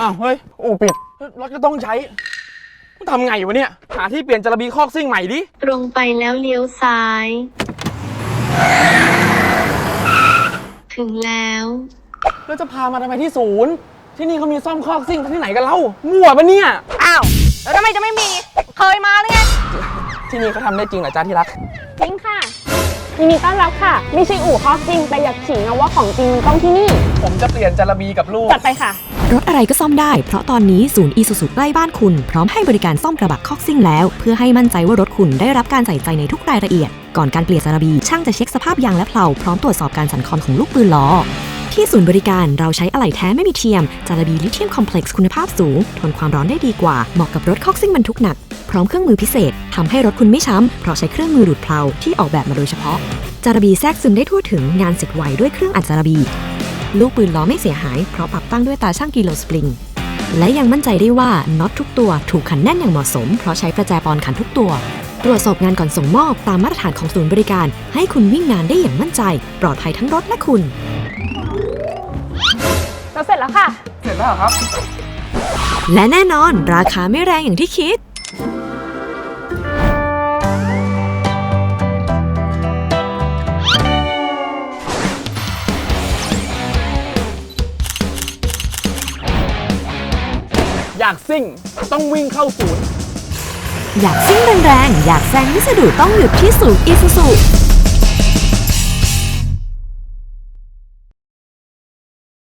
อ้าวเฮ้ยอู่ปิดรถก็ต้องใช้ทำไงวะเนี่ยหาที่เปลี่ยนจระบีคอกซิ่งใหม่ดิตรงไปแล้วเลี้ยวซ้าย ถึงแล้วแล้วจะพามาทำไมที่ศูนย์ที่นี่เขามีซ่อมคอกซิ่งที่ไหนกันเล่ามั่วปะเนี่ยอ้าวแล้วทำไมจะไม่มีเคยมาหรือไงที่นี่เขาทำได้จริงเหรอจ้าที่รักจริงค่ะยินดีต้อนรับค่ะไม่ใช่อู่คอกซิ่งแต่อยากขิงนะว่าของจริงต้องที่นี่ผมจะเปลี่ยนจระบีกับลูกจัดไปค่ะรถอะไรก็ซ่อมได้เพราะตอนนี้ศูนย์อีซูซูใกล้บ้านคุณพร้อมให้บริการซ่อมกระบะคอกซิ่งแล้วเพื่อให้มั่นใจว่ารถคุณได้รับการใส่ใจในทุกรายละเอียดก่อนการเปลี่ยนจระบีช่างจะเช็คสภาพยางและเพลาพร้อมตรวจสอบการสั่นคลอนของลูกปืนล้อที่ศูนย์บริการเราใช้อะไหล่แท้ไม่มีเทียมจระบีลิเธียมคอมเพล็กซ์คุณภาพสูงทนความร้อนได้ดีกว่าเหมาะกับรถคอกซิ่งบรรทุกหนักพร้อมเครื่องมือพิเศษทำให้รถคุณไม่ช้ำเพราะใช้เครื่องมือดูดเพลาที่ออกแบบมาโดยเฉพาะจระบีแทรกซึมได้ทั่วถึงงานเสร็จไวด้วยเครื่องอัดจระบีลูกปืนล้อไม่เสียหายเพราะปรับตั้งด้วยตาช่างกิโลสปริงและยังมั่นใจได้ว่าน็อตทุกตัวถูกขันแน่นอย่างเหมาะสมเพราะใช้ประแจปอนขันทุกตัวตรวจสอบงานก่อนส่งมอบตามมาตรฐานของศูนย์บริการให้คุณวิ่งงานได้อย่างมั่นใจปลอดภัยทั้งรถและคุณเราเสร็จแล้วค่ะเสร็จแล้วครับและแน่นอนราคาไม่แรงอย่างที่คิดอยากซิ่งต้องวิ่งเข้าศูนย์อยากซิ่งแรงๆอยากแซงไม่สะดุดต้องหยุดที่ศูนย์อีซูซู